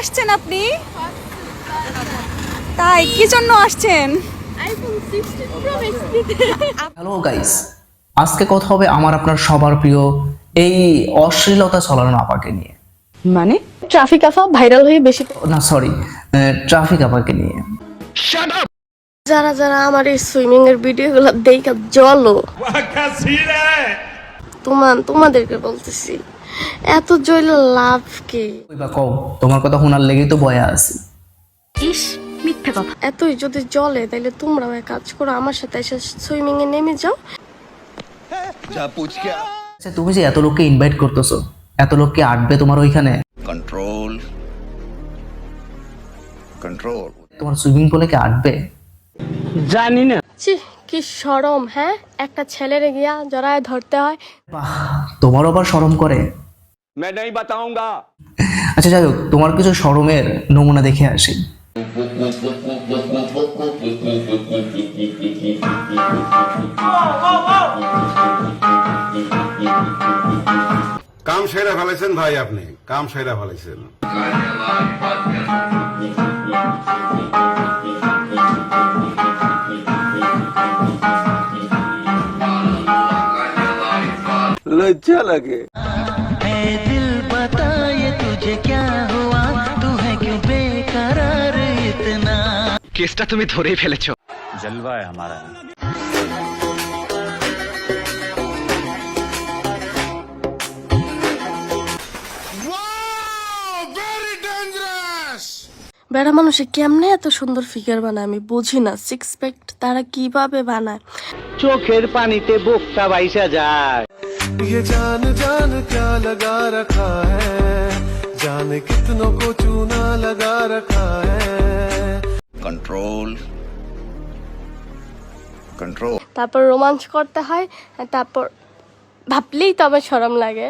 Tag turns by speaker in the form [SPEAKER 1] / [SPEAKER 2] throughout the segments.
[SPEAKER 1] আসছেন আপনি? তাই কি জন্য আসছেন?
[SPEAKER 2] হ্যালো গাইস, আজকে কথা হবে আমার আপনার সবার প্রিয় এই অশ্লীলতা ছড়ানো আপাকে নিয়ে।
[SPEAKER 3] মানে ট্রাফিক আফা ভাইরাল হয়ে বেশি
[SPEAKER 2] না সরি, ট্রাফিক আপাকে নিয়ে।
[SPEAKER 3] যারা যারা আমার এই সুইমিং এর ভিডিওগুলো দেখে জলো তোমাদেরকে বলতেছি এত জল লাভ কি?
[SPEAKER 2] ওই বা কও, তোমার কথা শোনার লেগেই তো বয়া আছি।
[SPEAKER 3] ইস মিথ্যা কথা। এতই যদি জলে তাহলে তোমরাও এক কাজ করো, আমার সাথে এসে সুইমিং এ নেমে যাও।
[SPEAKER 2] আচ্ছা, তুমি যে এত লোককে ইনভাইট করতেছো, এত লোককে আটবে তোমার ওইখানে?
[SPEAKER 4] कंट्रोल कंट्रोल
[SPEAKER 2] তোমার সুইমিং পুলে কে আটবে?
[SPEAKER 3] ছি কি শরম, হ্যাঁ একটা ছেলেরে গিয়া জড়ায় ধরতে হয়।
[SPEAKER 2] বাহ, তোমার আবার শরম করে?
[SPEAKER 5] मैं नहीं बताऊंगा।
[SPEAKER 2] আচ্ছা যাই হোক, তোমার কিছু শরমের নমুনা দেখে আসি।
[SPEAKER 6] কাম সেরা ফেলাইছেন ভাই, আপনি কাম সেরা ফেলাইছেন।
[SPEAKER 5] लज्जा लगे।
[SPEAKER 7] কেসটা তুমি ধরেই ফেলেছো।
[SPEAKER 5] जलवा है हमारा।
[SPEAKER 3] বেড়া মানুষে কেমনে এত সুন্দর ফিগার বানায় আমি বুঝি না। সিক্স প্যাক তারা কিভাবে বানায়?
[SPEAKER 7] চোখের পানিতে বোকটা বাইসা যায়।
[SPEAKER 8] ये जान जान क्या लगा रखा है, जाने कितनों को चूना लगा रखा है।
[SPEAKER 4] कंट्रोल कंट्रोल
[SPEAKER 3] তারপর রোমাঞ্চ করতে হয়, তারপর ভাবলেই তো আমার শরম লাগে।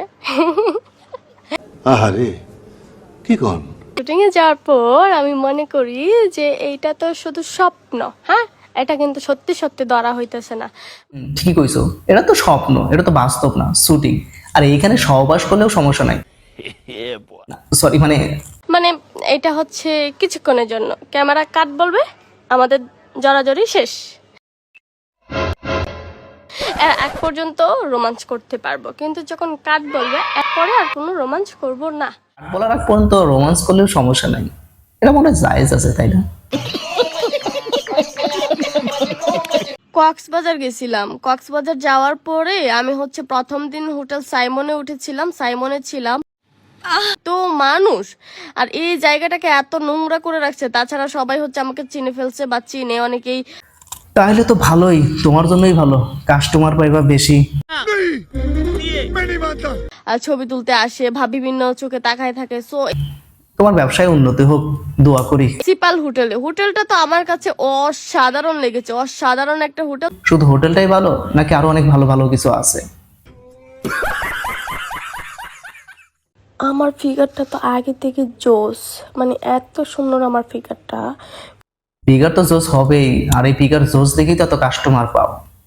[SPEAKER 6] আহারে কি কোন?
[SPEAKER 3] শুটিং এ যাওয়ার পর আমি মনে করি যে এইটা তো শুধু স্বপ্ন, হ্যাঁ এটা কিন্তু সত্যি সত্যি ধরা হইতেছে না।
[SPEAKER 2] ঠিকই কইছো, এটা তো স্বপ্ন, এটা তো বাস্তব না, শুটিং। আর এইখানে সহবাস করলেও সমস্যা নাই। সরি,
[SPEAKER 3] মানে এটা হচ্ছে কিছুক্ষণের জন্য, ক্যামেরা কাট বলবে আমাদের জড়াজড়ি শেষ। এক পর্যন্ত রোমাঞ্চ করতে পারবো, কিন্তু যখন কাট বলবে এরপরে আর কোনো রোমাঞ্চ করব না।
[SPEAKER 2] বলার আগ পর্যন্ত রোমান্স করলেও সমস্যা নাই, এটা মনে হয় জায়েজ আছে, তাই না?
[SPEAKER 3] কক্সবাজার গেছিলাম। কক্সবাজার যাওয়ার পরে আমি হচ্ছে প্রথম দিন হোটেল সাইমনে উঠেছিলাম, সাইমনে ছিলাম। তো মানুষ আর এই জায়গাটাকে এত নোংরা করে রাখছে, তাছাড়া সবাই হচ্ছে আমাকে চিনে ফেলছে বা চিনে অনেকেই।
[SPEAKER 2] তাহলে তো ভালোই, তোমার জন্যই ভালো, কাস্টমার পাইবা বেশি।
[SPEAKER 3] আর ছবি তুলতে আসে, বিভিন্ন চোখে তাকায় থাকে। সো
[SPEAKER 2] তোমার ব্যবসায় উন্নতি হোক, দোয়া করি।
[SPEAKER 3] প্রিন্সিপাল হোটেলটা তো আমার কাছে অসাধারণ লেগেছে, অসাধারণ একটা হোটেল।
[SPEAKER 2] শুধু হোটেলটাই ভালো নাকি আরো অনেক ভালো ভালো কিছু আছে?
[SPEAKER 3] আমার ফিগারটা তো আগে থেকে জোস, মানে এত সুন্দর আমার ফিগারটা।
[SPEAKER 2] ফিগার তো জোস হবেই, আর এই ফিগার জোস দেখেই তো এত কাস্টমার পাও।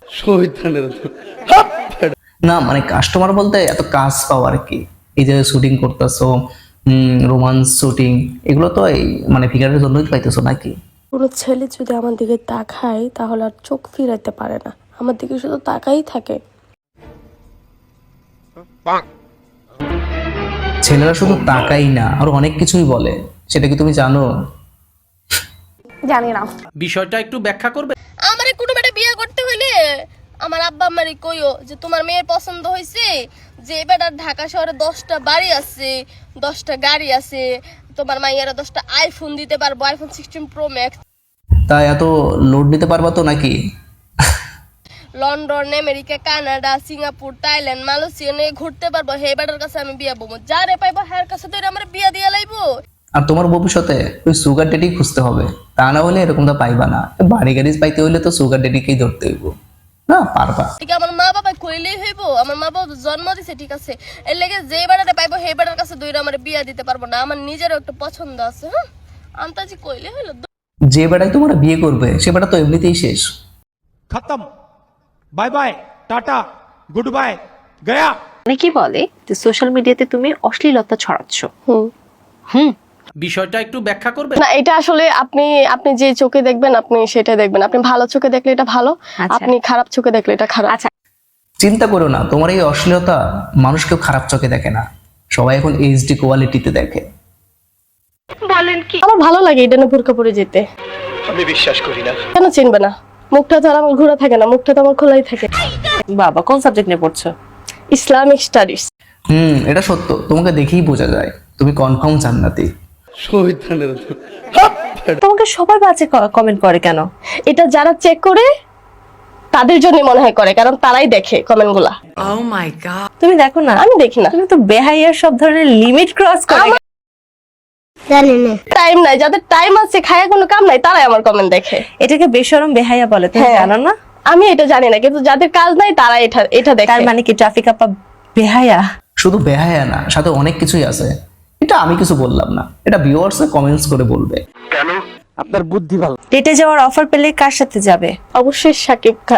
[SPEAKER 2] না কাস্টমার বলতে এত কাজ পাও আর কি। এই যে শুটিং করতেছো, রোমান্স শুটিং, এগুলো তো এই ফিগারের জন্যই পাইতেছো নাকি?
[SPEAKER 3] কোনো ছেলে যদি আমার দিকে তাকায় তাহলে আর চোখ ফিরাইতে পারে না, আমার দিকে শুধু তাকাই থাকে।
[SPEAKER 2] ছেলেরা শুধু তাকাই না, আরো অনেক কিছুই বলে, সেটা কি তুমি জানো?
[SPEAKER 3] জানি না।
[SPEAKER 7] বিষয়টা একটু ব্যাখ্যা করবে?
[SPEAKER 3] আমারে কোনো বেটা বিয়ে করতে হইলে আমার আব্বা আমারে কইও যে তোমার মেয়ের পছন্দ হয়েছে, যে বেটার ঢাকা শহরে 10টা বাড়ি আছে, 10টা গাড়ি আছে, তোমার মাইয়ারা 10টা আইফোন দিতে পারবো, আইফোন 16 প্রো ম্যাক্স।
[SPEAKER 2] তা এত লোড নিতে পারবা তো নাকি?
[SPEAKER 3] London, America, Canada, Singapore, Thailand, Malaysia নিয়ে ঘুরতে পারবো। হে বেটার কাছে আমি বিয়া বমু, যারে পাইবো হের কাছে তো আমার বিয়া দিয়া লাইবো।
[SPEAKER 2] আর তোমার ভবিষ্যতে ওই সুগার ডেডি খুঁজতে হবে, তা না হলে এরকমটা পাইবা না। বাড়ি গাড়ি পাইতে হইলে তো সুগার ডেডিকেই ধরতে হইব, না পারবা?
[SPEAKER 3] ঠিক আমার মা বাবা কইলেই হইব, আমার মা বাবা জন্ম দিছে, ঠিক আছে, এর লেগে যে বেটারে পাইবো হে বেটার কাছে দুইরা আমার বিয়া দিতে পারবো না। আমার নিজেরও একটা পছন্দ আছে, হ্যাঁ আন্তাজি কইলে হইলো।
[SPEAKER 2] যে বেটাই তোমার বিয়ে করবে সে বেটা তো এমনিতেই শেষ।
[SPEAKER 9] खत्म, bye bye, tata, good bye, गया।
[SPEAKER 10] অনেকেই বলে যে সোশ্যাল মিডিয়াতে তুমি অশ্লীলতা ছড়াচ্ছ।
[SPEAKER 3] হুম
[SPEAKER 10] বিষয়টা একটু ব্যাখ্যা করবে?
[SPEAKER 3] না, এটা আসলে আপনি আপনি যে চোখে দেখবেন আপনি সেটা দেখবেন। আপনি ভালো চোখে দেখলে এটা ভালো, আপনি খারাপ চোখে দেখলে এটা খারাপ।
[SPEAKER 1] আচ্ছা,
[SPEAKER 2] চিন্তা করো না, তোমার এই অশ্লীলতা মানুষ কেউ খারাপ চোখে দেখে না, সবাই এখন এইচডি কোয়ালিটিতে দেখে।
[SPEAKER 3] আমার ভালো লাগে এটা না বোরকা পরে যেতে।
[SPEAKER 7] আমি বিশ্বাস করি না।
[SPEAKER 3] কেন চিনবে না? মুখটা তো আর আমার ঘোরা থাকে না, মুখটা তো আমার খোলাই থাকে।
[SPEAKER 1] বাবা কোন সাবজেক্ট নিয়ে পড়ছো?
[SPEAKER 3] Islamic studies.
[SPEAKER 2] এটা সত্য, তোমাকে দেখেই বোঝা যায় তুমি কনফার্ম জান্নাতি।
[SPEAKER 1] তোমাকে সবাই বাজে কমেন্ট করে কেন?
[SPEAKER 3] এটা যারা চেক করে তাদের জন্য মনে হয় করে, কারণ তারাই দেখে কমেন্ট গুলা।
[SPEAKER 1] তুমি দেখো না?
[SPEAKER 3] আমি দেখি না।
[SPEAKER 1] তুমি তো বেহাইয়ার সব ধরনের লিমিট ক্রস করে।
[SPEAKER 3] টাইম নাই, যাদের টাইম আছে খায়া কোনো কাম নাই তারাই আমার কমেন্ট দেখে।
[SPEAKER 1] এটাকে বেশরম বেহাইয়া বলে, তুমি
[SPEAKER 3] হ্যাঁ।
[SPEAKER 1] জানো না?
[SPEAKER 3] আমি এটা জানি না, কিন্তু যাদের কাজ নাই তারা এটা দেখে।
[SPEAKER 1] তার মানে কি ট্রাফিক আপা বেহাইয়া?
[SPEAKER 2] শুধু বেহায়া না, সাথে অনেক কিছুই আছে। এটা আমি কিছু বললাম না, এটা ভিউয়ার্স কমেন্টস করে বলবে।
[SPEAKER 10] আপনার বুদ্ধি ভালো।
[SPEAKER 1] ডেটে যাওয়ার অফার পেলে কার সাথে যাবে?
[SPEAKER 3] অবশ্যই শাকিব খান।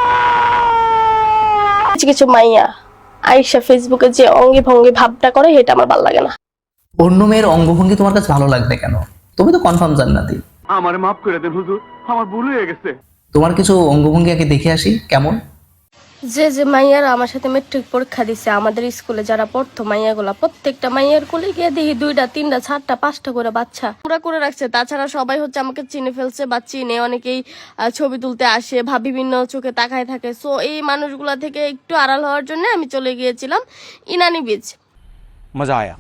[SPEAKER 3] কিছু কিছু মাইয়া আয়েশা ফেসবুকে যে অঙ্গি ভঙ্গি ভাবটা করে এটা আমার ভালো লাগে না।
[SPEAKER 2] অন্য মেয়ের অঙ্গভঙ্গি তোমার কাছে ভালো লাগবে কেন? তুমি তো কনফার্ম জান্নাতি।
[SPEAKER 5] আমার মাফ করে দেন হুজুর, আমার ভুল হয়ে গেছে।
[SPEAKER 2] তোমার কিছু অঙ্গভঙ্গি আগে দেখে আসি কেমন।
[SPEAKER 3] যে মাইয়ারা আমার সাথে মেট্রিক পরীক্ষা দিছে আমাদের স্কুলে যারা পড়তো, মাইয়াগুলা প্রত্যেকটা মাইয়ার কোলে গিয়ে দেখি 2টা 3টা 4টা 5টা করে বাচ্চা পুরা করে রাখছে। তাছাড়া সবাই হচ্ছে আমাকে চিনে ফেলছে বা চিনে, অনেকেই ছবি তুলতে আসে বা বিভিন্ন চোখে তাকায় থাকে। সো এই মানুষগুলা থেকে একটু আড়াল হওয়ার জন্য আমি চলে গিয়েছিলাম ইনানি বিচ।
[SPEAKER 9] मजा आया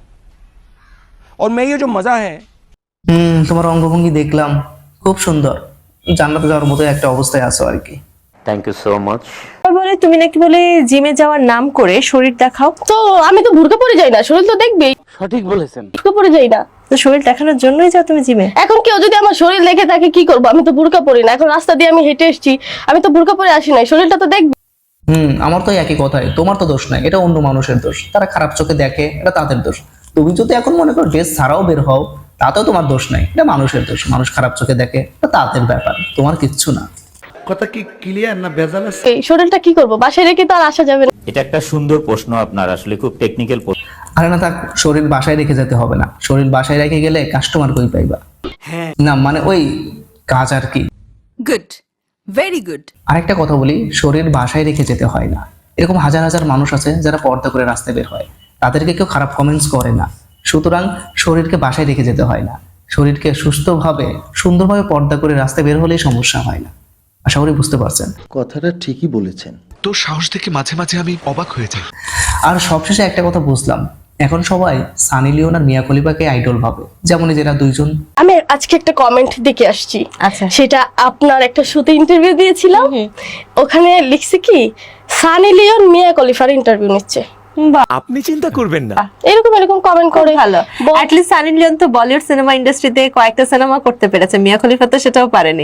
[SPEAKER 9] और मैं ये जो मजा है
[SPEAKER 2] তোমার অঙ্গভঙ্গি দেখলাম, খুব সুন্দর। জান্নাতে যাওয়ার মতো একটা অবস্থায় আছো আর কি।
[SPEAKER 7] Thank you so much.
[SPEAKER 1] বলে তুমি নাকি বলে জিমে যাওয়ার নাম করে শরীর দেখাও।
[SPEAKER 3] তো আমি তো বুরকা পরে যাই না, শরীর তো দেখবেই।
[SPEAKER 10] সঠিক বলেছেন।
[SPEAKER 3] বুরকা পরে যাই না,
[SPEAKER 1] তো শরীর দেখানোর জন্যই যাও তুমি জিমে।
[SPEAKER 3] এখন কেউ যদি আমার শরীর দেখে থাকে কি করবো? আমি তো বুরকা পরি না। এখন রাস্তা দিয়ে আমি হেঁটে এসেছি, আমি তো বুরকা পরে আসি নাই, শরীরটা তো দেখবি।
[SPEAKER 2] আমার তো একই কথাই, তোমার তো দোষ নাই, এটা অন্য মানুষের দোষ। তারা খারাপ চোখে দেখে, এটা তাদের দোষ। তুমি যদি এখন মনে করো ড্রেস ছাড়াও বের হও, তাতেও তোমার দোষ নাই, এটা মানুষের দোষ। মানুষ খারাপ চোখে দেখে, এটা তাদের ব্যাপার, তোমার কিচ্ছু না।
[SPEAKER 6] কথা কি ক্লিয়ার না ভেজাল আছে?
[SPEAKER 3] এই শরীরটা কি করবো? বাসায় রেখে তো আর আসা যাবে না।
[SPEAKER 5] এটা একটা সুন্দর প্রশ্ন আপনার, আসলে খুব টেকনিক্যাল প্রশ্ন।
[SPEAKER 2] আরে না থাক, শরীর বাসায় রেখে যেতে হবে না। শরীর বাসায় রেখে গেলে কাস্টমার কই পাইবা? না মানে ওই কাজ আর কি।
[SPEAKER 1] Good, very good.
[SPEAKER 2] আরেকটা কথা বলি, শরীর বাসায় রেখে যেতে হয় না। এরকম হাজার হাজার মানুষ আছে যারা পর্দা করে রাস্তায় বের হয়, তাদেরকে কেউ খারাপ কমেন্টস করে না। সুতরাং শরীরকে বাসায় রেখে যেতে হয় না, শরীরকে সুস্থভাবে সুন্দরভাবে পর্দা করে রাস্তায় বের হলেই সমস্যা হয় না। আশা করি বুঝতে পারছেন।
[SPEAKER 6] কথাটা ঠিকই বলেছেন।
[SPEAKER 8] তোর সাহস দেখে মাঝে মাঝে আমি অবাক হয়ে যাই।
[SPEAKER 2] আর সবশেষে একটা কথা বুঝলাম, এখন সবাই সানি লিওন আর মিয়া খলিফাকে আইডল ভাবে। যেমন যারা দুইজন,
[SPEAKER 3] আমি আজকে একটা কমেন্ট দেখে আসছি।
[SPEAKER 1] আচ্ছা।
[SPEAKER 3] সেটা আপনার একটা শোতে ইন্টারভিউ দিয়েছিলাম, ওখানে লিখছে কি সানি লিওন মিয়া খলিফার ইন্টারভিউ নিচ্ছে।
[SPEAKER 9] আপনি চিন্তা করবেন না,
[SPEAKER 3] এরকম এরকম কমেন্ট করে।
[SPEAKER 1] ভালো, অ্যাট লিস্ট সানি লিওন তো বলিউড সিনেমা ইন্ডাস্ট্রিতে কয়েকটা সিনেমা করতে পেরেছে, মিয়া খলিফা তো সেটাও পারেনি।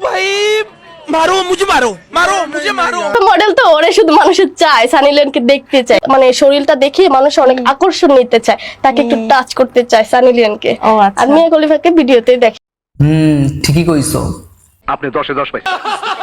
[SPEAKER 3] মডেল তো ওরে শুধু মানুষের চায়, সানি লিওনকে দেখতে চায়, মানে শরীরটা দেখে মানুষ অনেক আকর্ষণ নিতে চায়, তাকে একটু টাচ করতে চায় সানি লিওনকে।
[SPEAKER 1] ও আচ্ছা।
[SPEAKER 3] আর মিয়া খলিফাকে ভিডিওতে দেখে।
[SPEAKER 2] ঠিকই কইছো।
[SPEAKER 5] আপনি 10-এ 10 পাইছেন।